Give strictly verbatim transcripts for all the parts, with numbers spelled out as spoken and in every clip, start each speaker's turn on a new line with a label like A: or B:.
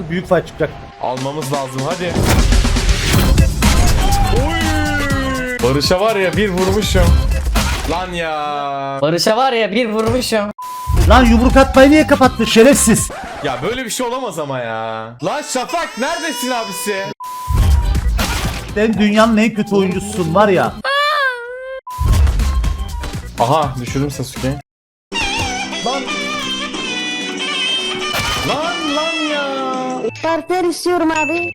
A: büyük fight çıkacak.
B: Almamız lazım hadi. Oy! Barış'a var ya bir vurmuşum. Lan ya.
C: Barış'a var ya bir vurmuşum.
A: Lan yumruk atmayı niye kapattın şerefsiz?
B: Ya böyle bir şey olamaz ama ya. Lan Şafak neredesin abisi?
A: Sen dünyanın en kötü oyuncususun var ya.
B: Aha düşürdüm Sasuke'yi. Lan. Lan lan ya.
D: Partner istiyorum abi.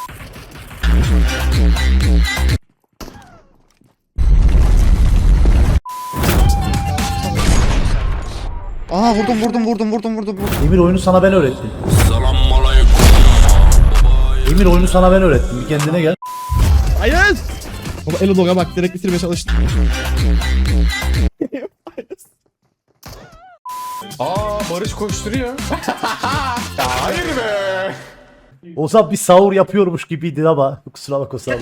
E: Aha vurdum vurdum vurdum vurdum vurdum. vurdum.
A: Emir oyunu sana ben öğrettim. Emir oyunu sana ben öğrettim. Bir kendine gel.
E: Hayır. Baba Elodog'a bak direkt bitirmeye çalıştım.
B: Aa Barış koşturuyor. Ya hayır be.
A: O zaman bir sahur yapıyormuş gibiydi ama kusura bakma sahur.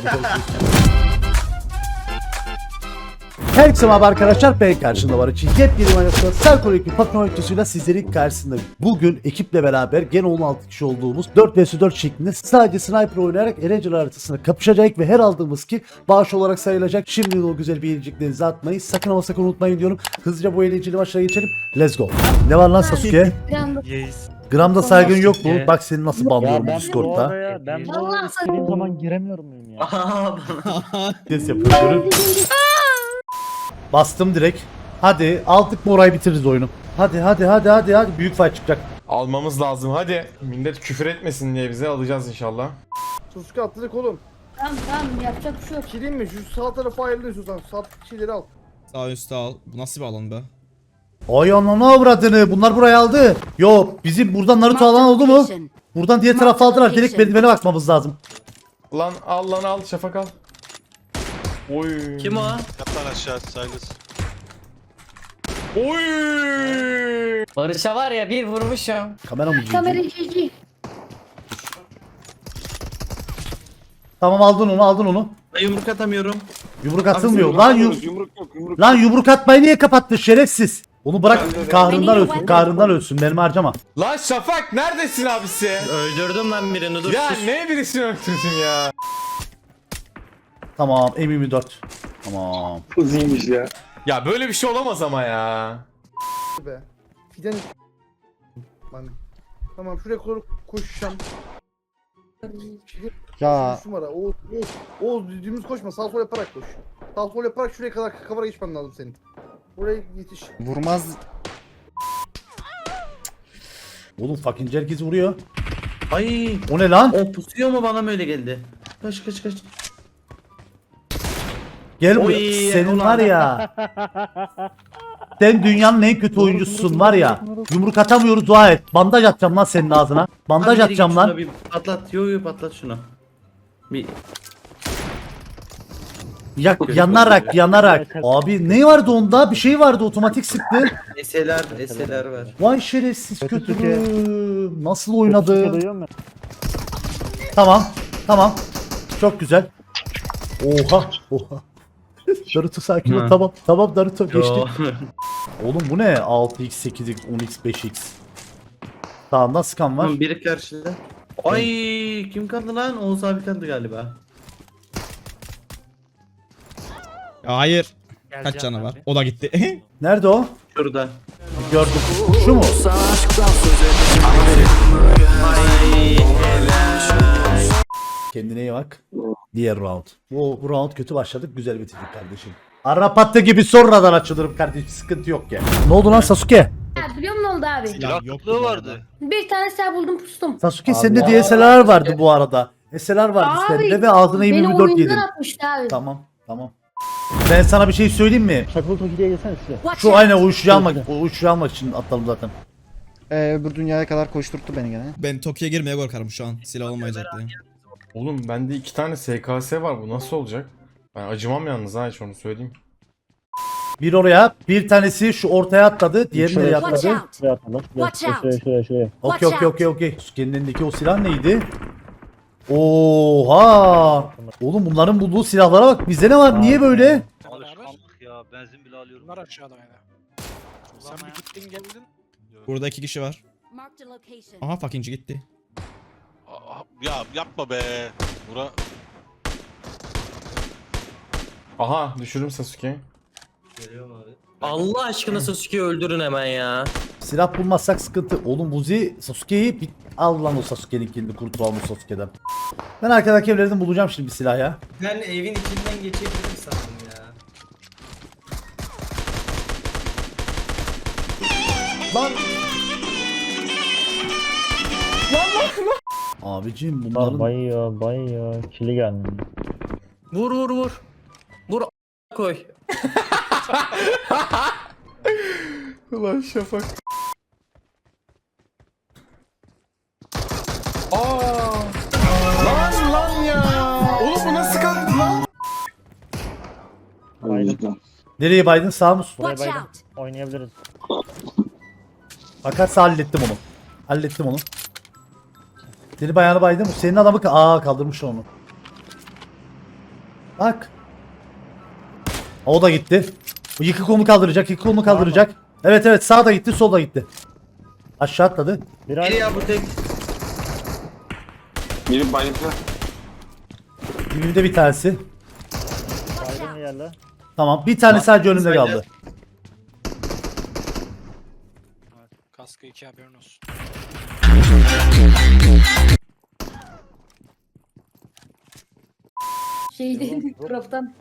A: Herkese merhaba arkadaşlar, ben karşında var için yepyeni manasında Serkol ekibi patron öyküsüyle sizlerin karşısındayım. Bugün ekiple beraber gene on altı kişi olduğumuz dört vs dört şeklinde sadece sniper oynayarak Erencil haritasına kapışacak ve her aldığımız kill bağış olarak sayılacak. Şimdi o güzel bir eğlenceklerinizi atmayı sakın ama sakın unutmayın diyorum. Hızlıca bu eğlenceli maçlara geçelim. Let's go. Ne var lan Sasuke? Gramda saygın yok mu? Bak seni nasıl banlıyorum bu Discord'da.
F: Ya ben bu odaya istediğim zaman giremiyorum muyum ya?
A: Ses yapıyorum. Bastım direkt. Hadi aldık mı orayı bitiririz oyunu. Hadi hadi hadi hadi hadi büyük fight çıkacak.
B: Almamız lazım hadi. Millet küfür etmesin diye bize alacağız inşallah.
G: Suska atladık oğlum.
D: Tamam tamam yapacak bir şey yok.
G: Çileyim mi? Şu sağ tarafa ayrılıyorsun sen. Sağ çileri al.
E: Sağ üstte al. Bu nasıl bir alan be?
A: Ay ananı avradını, bunlar burayı aldı. Yok bizim buradan Naruto alan oldu mu? Buradan diğer tarafa aldılar, direkt merdivene bakmamız lazım.
B: Lan al lan al Şafak al. Oy.
C: Kim o?
H: Kaptan aşağı Silas.
B: Oy.
C: Barış'a var ya bir vurmuşum.
A: Kamera mı
D: Kamera
A: cici?
D: cici.
A: Tamam aldın onu aldın onu.
C: Yumruk atamıyorum.
A: Yumruk atılmıyor. Lan, yum Lan yumruk atmayı niye kapattın şerefsiz? Onu bırak kahrından ölsün, kahrından ölsün, benim harcama.
B: Lan Şafak neredesin abisi?
C: Öldürdüm lan birini dur.
B: Ya
C: sus.
B: ne birisini öldürdün ya?
A: Tamam M yirmi dört. Tamam.
H: Uzaymış ya.
B: Ya böyle bir şey olamaz ama ya.
G: Be. Fiden... Lan. Tamam şuraya doğru koşacağım.
E: Ya.
G: Şu numara. Oğuz, Oğuz, Oğuz düdüğümüz koşma. Sağ sol yaparak koş. Sağ sol yaparak şuraya kadar kavara geçmen lazım senin. Buraya yetiş.
E: Vurmaz.
A: Oğlum fucking herkes vuruyor.
C: Ay
A: O ne lan?
C: o pusuyor mu bana mı öyle geldi? Kaç kaç kaç.
A: Gel
C: Oy,
A: buraya. Senin
C: ulan.
A: var ya. Sen dünyanın en kötü oyuncususun var ya. Yumruk atamıyoruz, dua et. Bandaj atacağım lan senin ağzına. Bandaj
C: Abi,
A: atacağım
C: şuna
A: lan.
C: Bir patlat. Yo yo patlat şunu. Bir
A: Yak, yanarak yanarak. Abi ne vardı onda? Bir şey vardı, otomatik sıktı.
C: eseler eseler var.
A: Vay şerefsiz kötü. Nasıl oynadı?
F: Duyuyor musun?
A: Tamam. Tamam. Çok güzel. Oha. Oha. Naruto sakin ol.
C: Hı.
A: Tamam. Tamam Naruto geçti.
C: Yo.
A: Oğlum bu ne? altı x, sekiz x, on x, beş x. Sağında skan var.
C: Tamam, biri karşıda. Ay kim kaldı lan? Oğuz abi kaldı galiba.
E: Ya hayır. Kaç canı var? O da gitti.
A: Nerede o?
C: Şurada.
A: Gördüm. Şu mu? Kendine iyi bak. Diğer round. Bu, bu round kötü başladık. Güzel bitirdik kardeşim. Arapatta gibi sonradan açılırım kardeşim. Sıkıntı yok ya. Ne oldu lan Sasuke?
D: Ya biliyor musun ne oldu abi?
E: Silah yokluğu vardı.
D: Bir tane silah buldum pustum.
A: Sasuke sende D S L R vardı bu arada. S L R vardı sende ve ağzına
D: beni
A: M yirmi dört yedin.
D: oyundan atmıştı abi.
A: Tamam. Tamam. Ben sana bir şey söyleyeyim mi?
F: Şakıl Toki'ye gelsene size.
A: Şu aynen o uyuşucu almak, o uyuşucu almak için atladım zaten.
E: Ee, öbür dünyaya kadar koşturttu beni gene. Ben Tokyo'ya girmeye korkarım şu an. Silah olmayacak diye.
B: Oğlum bende iki tane S K S var, bu nasıl olacak? Ben acımam yalnız ha, hiç onu söyleyeyim.
A: Bir oraya, bir tanesi şu ortaya atladı, diğeri nereye
F: Watch
A: atladı?
D: out.
F: Şuraya atalım.
D: Watch out.
F: Şuraya şuraya şuraya.
A: Okey okey okey okey. Sasuke'nin elindeki o silah neydi? Oha! Oğlum bunların bulduğu silahlara bak. Bizde ne var? Niye böyle?
H: Alışkanlık ya, benzin bile alıyorum.
I: Bunlar aşağıda yani. Sen bir gittin geldin.
E: Burada iki kişi var.
D: Marked a location.
E: Aha fuckingci gitti.
H: Ya yapma be. Bura
B: Aha düşürdüm Sasuke.
C: Geliyorum abi.
J: Allah aşkına Sasuke'yi öldürün hemen ya.
A: Silah bulmazsak sıkıntı. Oğlum Buzi Sasuke'yi bir al lan o Sasuke'nin kilini kurtulalım o Sasuke'den. Ben arkadaki evlerden bulacağım şimdi bir silah ya.
J: Ben evin içinden geçebilirim sandım ya.
B: Lan
A: Abicim
F: Lan
A: bunların
F: bayıyor bayıyor. Kili geldi.
J: Vur vur vur. Vur a- koy.
B: Ulan Şafak. Aa! Lan lan ya! Oğlum bu nasıl kalktı lan?
F: Baydım.
A: nereye baydın, sağ mı?
F: Buraya baydım. Oynayabiliriz.
A: Fakat hallettim onu. Hallettim onu. Seni bayağını baydım. Senin adamı ka- aa kaldırmış onu. Bak. O da gitti. Bu yıkık onu kaldıracak, yıkık onu kaldıracak. Evet evet, sağ da gitti, sol da gitti. Aşağı atladı.
F: Bir
C: Biri
F: ay
C: ya bu tek.
H: Biri bayıldı.
A: Dibimde bir tanesi.
F: baydım yerle.
A: Tamam, bir tane sadece önümde
C: Söyle.
A: kaldı.
I: Kaskı iki haberin olsun.
D: Şeydi craft'tan.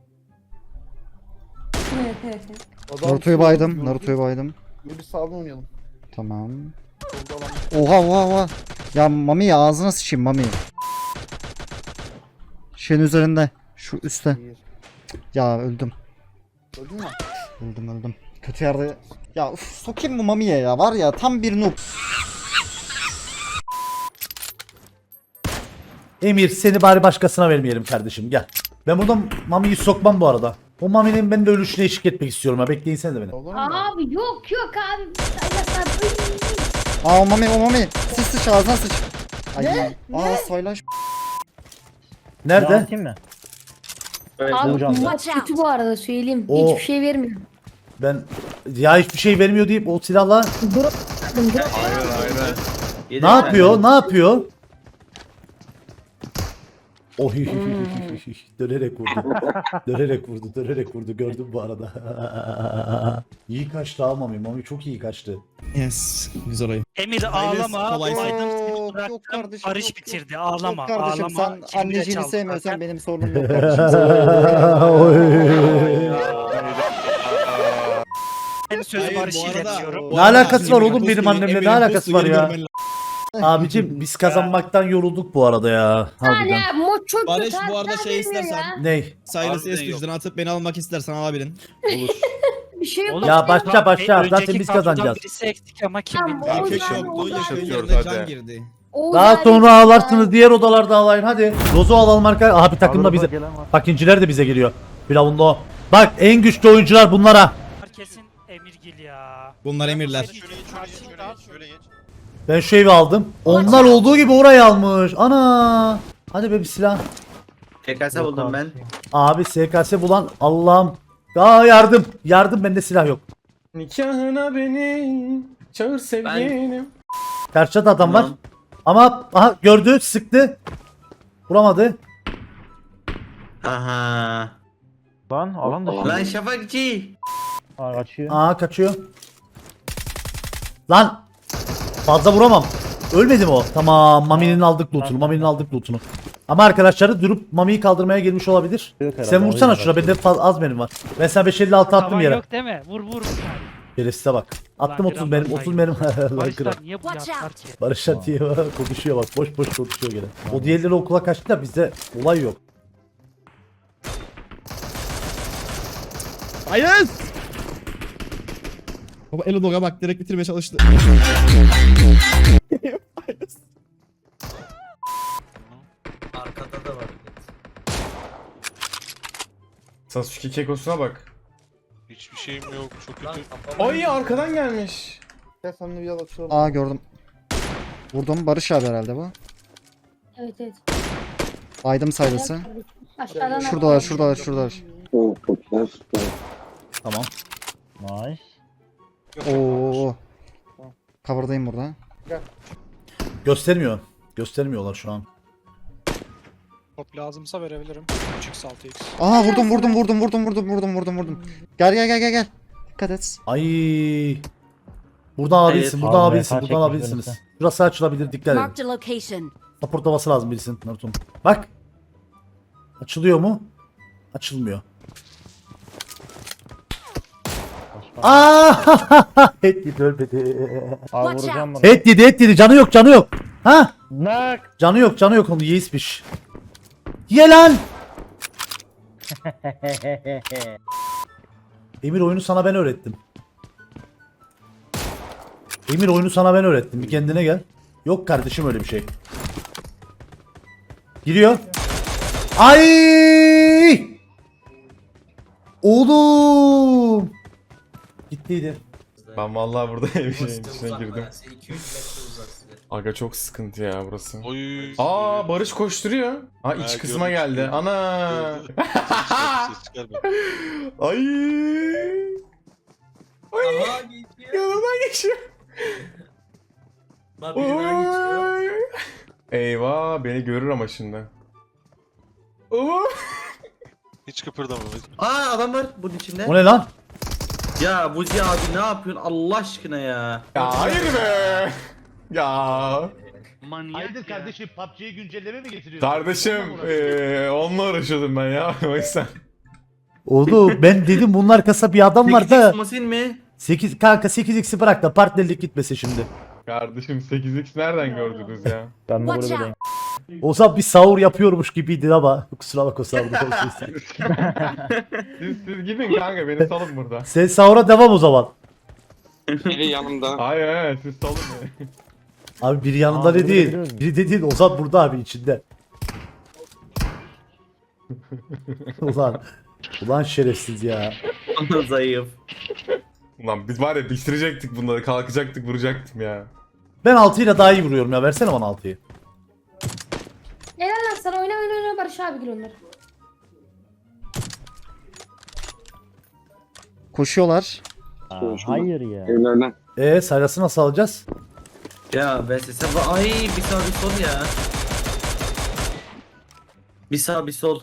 G: Adam
E: Naruto'yu baydım. Naruto'yu baydım.
G: Bir sağdan oynayalım.
E: Tamam.
G: Solda alan.
E: Oha oha oha. Ya Mami ya ağzına sıçayım Mami. Şeyin üzerinde. Şu üstte.
G: Bir.
E: Ya öldüm.
G: Gördün mü?
E: Öldüm öldüm. Kötü yerde. Ya uf, sokayım bu Mami'ye ya. Var ya tam bir noob.
A: Emir, seni bari başkasına vermeyelim kardeşim, gel. Ben burada Mami'yi sokmam bu arada. O Mami'nin ben de ölüşüne eşlik etmek istiyorum ha, bekleyin sen de beni.
G: Olur mu?
D: Abi yok yok abi. Saylaslar.
E: Aa o Mami o Mami. Sıç sıç ağzına sıç. Ay.
D: Ne?
E: Aa saylaş.
A: Nerede?
F: Atayım mı?
D: Abi
F: Hocam.
D: bu maç kötü bu arada söyleyeyim.
A: O-
D: Hiçbir şey vermiyor.
A: Ben ya hiçbir şey vermiyor deyip o silahla
D: Drop. Drop.
C: Yedi
A: ne
C: mi?
A: yapıyor? Ne yapıyor? Oy dönerek vurdu. Dönerek vurdu, dönerek vurdu. Gördüm bu arada. İyi kaçtı ha Mami. Mami çok iyi kaçtı.
E: Yes. Güzel oyun.
I: Emir
E: Saylas,
I: ağlama.
E: kolaysın.
I: Baydım seni
E: Yok,
I: bıraktım.
E: yok kardeşim,
I: Barış
E: yok, yok.
I: bitirdi. Ağlama.
E: Yok kardeşim
I: ağlama.
E: sen
I: Kilimi de
E: anneciğini
I: çaldı
E: sevmiyorsan
I: zaten.
E: benim sorunum yok kardeşim.
I: Ben sözü Barış'ı iletiyorum.
A: Ne alakası var oğlum benim annemle? Ne alakası var ya? Abicim biz kazanmaktan yorulduk bu arada ya. Harbiden.
D: Yani mod çok
E: Barış,
D: kötü.
E: bu arada
D: harbiden
E: şey
D: vermiyor
E: istersen-
D: ya.
A: Ney?
E: Silas
H: Harbiden yok.
E: S-Tuş'dan atıp beni almak istersen alabilin.
A: Olur.
D: Bir şey yok.
A: Ya başla başla.
I: Önceki
A: Zaten biz
I: kadrodan
A: kazanacağız.
I: Birisi eksik ama kim
D: Tamam,
I: bilmiyor.
D: Oğuz
E: Erkek
D: abi,
E: yoktu.
D: Oğuz
E: Yakın
B: abi.
E: yerine can
B: Hadi.
E: girdi.
D: Oğuz
A: Daha
D: abi,
A: sonra
D: ya.
A: ağlarsınız, diğer odalarda ağlayın hadi. Rozo alalım arka. Abi takımda bize.
F: Gelen var.
A: Bak inciler de bize geliyor. Firavunlu o. Bak en güçlü oyuncular bunlara.
I: Kesin Emirgil ya.
E: Bunlar emirler.
H: Şöyle geç, şöyle geç, şöyle geç, şöyle geç.
A: Ben şu evi aldım. Onlar olduğu gibi orayı almış. Ana. Hadi be bir silah.
C: T K S buldum ben.
A: Abi S K S bulan Allah'ım. Aa yardım. Yardım, bende silah yok.
B: Nikahına beni çağır sevgilim.
A: Karşıda da adam var.
C: Tamam.
A: Ama aha gördü, sıktı. Vuramadı.
C: Aha.
F: Lan alan dışı.
C: Lan Şafakçı.
F: Aa, kaçıyor.
A: Aa kaçıyor. Lan. Fazla vuramam. Ölmedi mi o? Tamam, Mami'nin aldık lootunu. Mami'nin aldık lootunu. Ama arkadaşları durup Mami'yi kaldırmaya gelmiş olabilir.
F: Yok herhalde,
A: Sen vursana
F: oyuna
A: şuna, bende faz- az benim var. Ben sana beş elli altı attım
I: Tavan
A: yere.
I: yok değil mi? Vur vur.
A: Şerefsize bak. Attım
I: Ulan
A: otuz
I: biraz
A: benim,
I: daha
A: otuz benim. Lan
I: Barışlar
A: kral.
I: niye bu yaptılar ki?
A: Barış Atiye konuşuyor bak. Boş boş konuşuyor gene. O diğerleri okula kaçtı da bizde olay yok.
E: Hayır. Baba Elodog'a bak direkt bitirmeye çalıştı.
C: Arkada da var.
B: Sasuke kekosuna bak.
H: Hiçbir şeyim yok. Çok
C: Lan
H: kötü.
C: kafama.
B: Ay arkadan gelmiş.
G: Gel seninle bir yal açalım.
E: Aa gördüm. Vurdum Barış abi herhalde bu.
D: Evet evet.
E: Baydım saylısı.
D: Aşağıdan
E: Şuradalar şuradalar şuradalar.
A: Tamam.
F: Nice.
E: Oo. Cover'dayım burada.
A: Göstermiyor. Göstermiyorlar şu an.
I: Top lazımsa verebilirim. üç x altı x.
E: Aa vurdum vurdum vurdum vurdum vurdum vurdum vurdum vurdum. Gel gel gel gel gel. Dikkat et.
A: Ay. Buradan alabilirsin,
C: Evet.
A: buradan
F: Abi,
A: alabilirsin,
F: M K
A: buradan
F: çekmiş
A: alabilirsiniz.
F: birisi.
A: Burası açılabilir, dikkat edin.
D: Marked a location.
A: Supportlaması lazım birisinin Naruto'nun. Bak. Açılıyor mu? Açılmıyor. Aaaa! Et yedi ölmedi.
F: Abi
D: Watch
F: vuracağım bunu.
A: Et yedi, et yedi. Canı yok, canı yok. Ha?
F: Nak.
A: Canı yok, canı yok onu yeismiş. Ye lan! Emir oyunu sana ben öğrettim. Emir oyunu sana ben öğrettim. Bir kendine gel. Yok kardeşim öyle bir şey. Giriyor. Ay! Oğlum! Gittiydi.
B: Ben vallahi burada evin içine girdim. Aga çok sıkıntı ya burası.
H: Oy.
B: Aa Barış koşturuyor. Ha iç
H: Ha,
B: kısma
H: gördüm,
B: geldi.
H: gördüm.
B: Ana.
H: Gördüm. Ses çıkarma.
B: Ay. Ay. Yanımdan geçiyor.
C: Bak biri daha geçiyor.
B: Oy. Eyvah beni görür ama şimdi. Oo.
H: Hiç kıpırdama.
C: Aa adam var bunun içinde.
A: O ne lan?
C: Ya Buzi abi ne yapıyorsun Allah aşkına ya.
B: Ya hayır be. Ya.
J: Hayırdır
G: kardeşim P U B G'ye güncelleme mi getiriyorsun?
B: Kardeşim eee onunla uğraşıyordum ben ya o yüzden.
A: Oğlum ben dedim bunun arkasında bir adam var da.
C: Masin mi?
A: sekiz kanka sekiz x'i bırak da partnerlik gitmesin şimdi.
B: Kardeşim sekiz x nereden gördünüz ya?
F: Ben de
D: Watch
F: buradayım.
A: Ozan bir sahur yapıyormuş gibiydi ama kusura bakma sahur.
B: Siz, siz gidin kanka beni salın burada.
A: Sen sahura devam o zaman.
H: Biri yanımda.
B: Hayır hayır siz salın beni.
A: Abi biri yanında
F: Aa,
A: ne
F: burada
A: değil.
F: biliyor musun?
A: Biri de değil. Ozan burada abi içinde. ulan. Ulan şerefsiz ya.
C: Zayıf.
B: Ulan biz var ya bitirecektik bunları kalkacaktık vuracaktım ya.
A: Ben altı ile daha iyi vuruyorum ya. Versene bana altıyı.
D: Helal lan sana oyna oyna oyna Barış abi gir onları.
E: Koşuyorlar.
F: Aa, hayır ya.
H: Evlerden.
A: Eee Sayras'ı nasıl alacağız?
C: Ya ben sesem ay bir sağ bir sol ya. Bir sağ bir sol.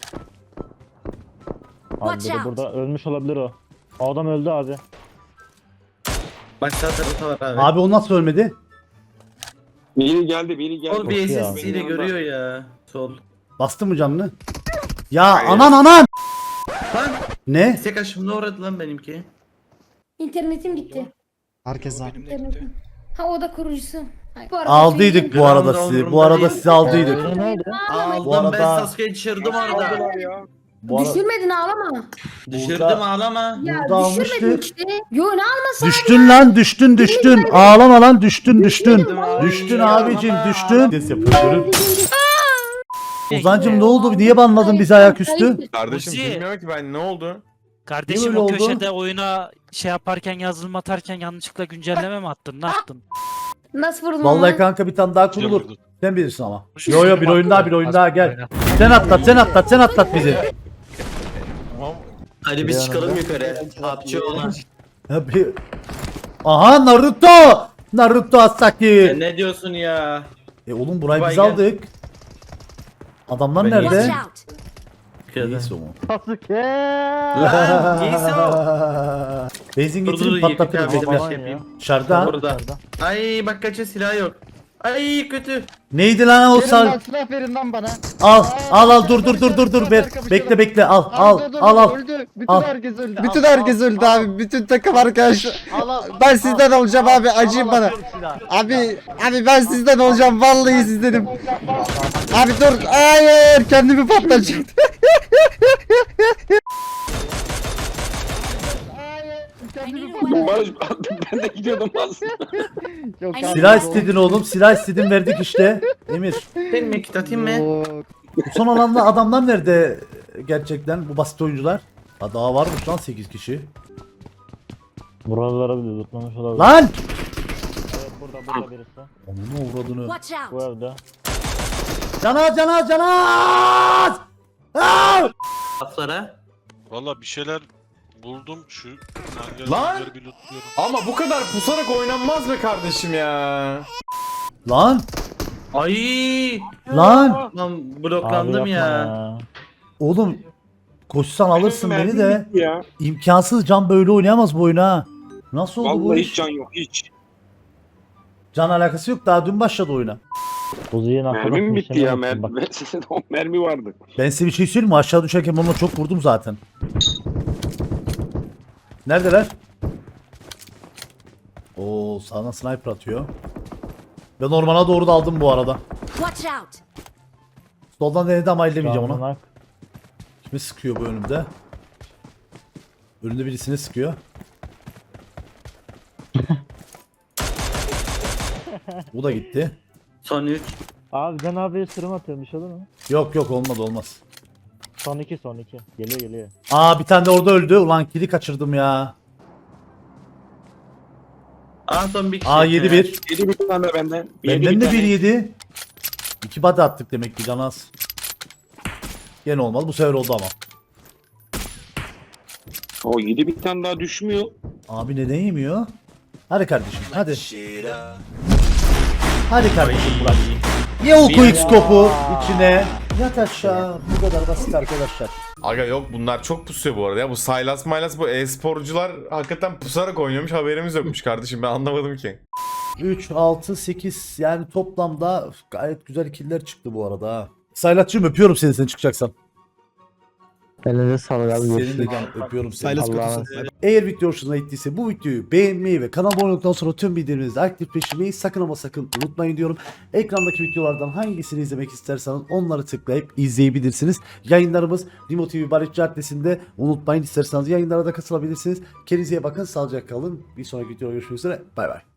F: Abi
D: Watch
F: biri
D: out.
F: burada ölmüş olabilir o. O adam öldü abi.
C: Bak sağ tarafta var abi.
A: Abi o nasıl ölmedi?
H: Biri geldi biri geldi.
C: Sol bir
F: Koşuyor
C: S
F: abi.
C: S ile görüyor ya. Sol.
A: Bastı mı canını? Ya anan anan!
C: Lan
A: Ne?
C: tek aşımda uğradı lan benimki.
D: İnternetim gitti.
E: Herkes var.
D: İnternetim. Ha o da kurucusu. Hayır. Bu arada
A: Aldıydık
D: söyleyeyim.
A: bu arada
C: Gram da
A: sizi. Bu
C: umurumda
A: arada
C: değil.
A: sizi aldıydık.
F: Öyle nerede?
C: Aldım
A: Bu arada-
C: ben Sasuke'yi düşürdüm orada.
A: Bu arada
D: Düşürmedin ağlama.
C: Düşürdüm ağlama.
D: Ya
A: Burada
D: düşürmedin
A: almıştık.
D: işte. Yo ne almasın?
A: düştün lan düştün düştün. Ağlama lan düştün düştün.
C: Düşürdüm abi.
A: Düştün
C: Ya,
A: abicim
C: ama.
A: düştün. Ses yapıyorum. Ozancım ne oldu? Niye banladın bizi ayaküstü?
B: Kardeşim
I: Muzi.
B: bilmiyorum ki ben ne oldu?
A: Niye
I: Kardeşim
A: öyle
I: o
A: oldu?
I: köşede oyuna şey yaparken yazılım atarken yanlışlıkla güncelleme mi attın? Ne yaptın?
D: Nasıl vurdun
A: Vallahi
D: onu?
A: kanka bir tane daha kurulur.
H: Vurdu.
A: Sen bilirsin ama. Yo yo bir oyun daha bir oyun daha gel. Sen atlat sen atlat sen atlat bizi.
B: Tamam.
C: Hadi biz çıkalım yukarı. Hapçı olan.
A: Ya bir- Aha Naruto! Naruto Asaki.
C: Sen ne diyorsun ya?
A: E oğlum burayı
C: Vay
A: biz
C: gel.
A: aldık. Adamlar
C: Ben
A: nerede?
D: Watch out.
A: Neyse o mu?
F: Sasuke.
C: Lan giysi o.
A: Benzin
C: Dur dur
A: getirip
C: yıkık
A: patlatırız
C: abi bir
A: bekle.
C: şey yapayım.
A: Dışarıda.
C: Orada. Ay bak kaça silah yok. Ay kötü.
A: Neydi lan o sal?
E: silah verin lan bana.
A: Al al al dur dur dur dur dur ver. Bekle bekle al al al al.
E: Öldü. Bütün
A: Al.
E: herkes öldü. Bütün herkes öldü abi. Bütün takım arkadaş. Ben sizden olacağım abi. Acıyın bana. Abi abi ben sizden olacağım. Vallahi sizdenim. Abi dur. Hayır kendimi patlatacaktım.
H: Barış ben de gidiyordum aslında.
E: Yok,
D: Ay,
E: abi,
A: Silah
E: yok.
A: istedin oğlum. Silah istedin verdik işte. Emir.
C: Senin mi kit atayım mı?
E: Yok.
A: Bu son olanlar adamlar nerede gerçekten bu basit oyuncular? Ha daha varmış lan sekiz kişi.
F: Buralara bile tutmamış olabilir.
A: Lan!
F: Evet burada burada birisi.
A: Onun uğradığını.
D: Watch
F: Bu
D: out.
F: evde.
A: Canaz canaz canaz! Aa!
C: Laflara.
H: Valla bir şeyler buldum şu
B: Lan!
H: hangarları bir lootluyorum.
B: Ama bu kadar pusarak oynanmaz be kardeşim ya.
A: Lan!
C: Ay.
A: Lan
C: Lan
F: Abi
C: bloklandım
F: yapma
C: ya.
A: oğlum koşsan alırsın beni
H: Mermim
A: de.
H: bitti ya.
A: imkansız, Can böyle oynayamaz bu oyunu ha. Nasıl oldu bu
H: Vallahi
A: iş?
H: hiç can yok hiç.
A: Can alakası yok, daha dün başladı oyuna.
F: Uzi'ye nakla
H: Mermim bitti ya.
F: Mer
H: Mermi, o mermi vardı.
A: Ben size bir şey söyleyeyim mi? Aşağı düşerken onunla çok vurdum zaten. Neredeler? Oo, sağdan sniper atıyor. Ben ormana doğru daldım bu arada.
D: Watch out.
A: Soldan denedi ama ellemeyeceğim onu.
F: Nak.
A: Kimi sıkıyor bu önümde? Önünde birisini sıkıyor. Bu da gitti.
C: Son üç.
F: Abi ben abiye sürüm atıyorum bir şey olur mu?
A: Yok yok, olmadı olmaz.
F: Son iki son iki. Geliyor geliyor.
A: Aa, bir tane de orada öldü. Ulan kili kaçırdım ya.
C: Aa son bir kişi.
A: Aa, yedi bir.
H: Yedi bir tane benden.
A: Benden de bir yedi. İki body attık demek ki, can az. Gene olmadı. Bu sefer oldu ama.
H: O yedi bir tane daha düşmüyor.
A: Abi neden yemiyor? Hadi kardeşim hadi. Hadi kardeşim Burak. Ye o quick scope'u içine. Yat aşağı. Bu kadar basit arkadaşlar.
B: Aga yok, bunlar çok pusuyor bu arada ya. Bu Sylas Mylas, bu e-sporcular hakikaten pusarak oynuyormuş, haberimiz yokmuş kardeşim, ben anlamadım ki.
A: üç, altı, sekiz yani toplamda gayet güzel killer çıktı bu arada ha. Saylatçığım öpüyorum seni, sen çıkacaksan.
F: Elinize sağlık abi.
A: Senin de can, öpüyorum seni.
F: Allah'a
A: Eğer video hoşunuza gittiyse bu videoyu beğenmeyi ve kanala abone olduktan sonra tüm bildirimlerinizi aktifleştirmeyi sakın ama sakın unutmayın diyorum. Ekrandaki videolardan hangisini izlemek isterseniz onları tıklayıp izleyebilirsiniz. Yayınlarımız Rimo T V Barışçı adresinde, unutmayın, isterseniz yayınlara da katılabilirsiniz. Kendinize iyi bakın, sağlıcakla kalın. Bir sonraki videoda görüşmek üzere. Bay bay.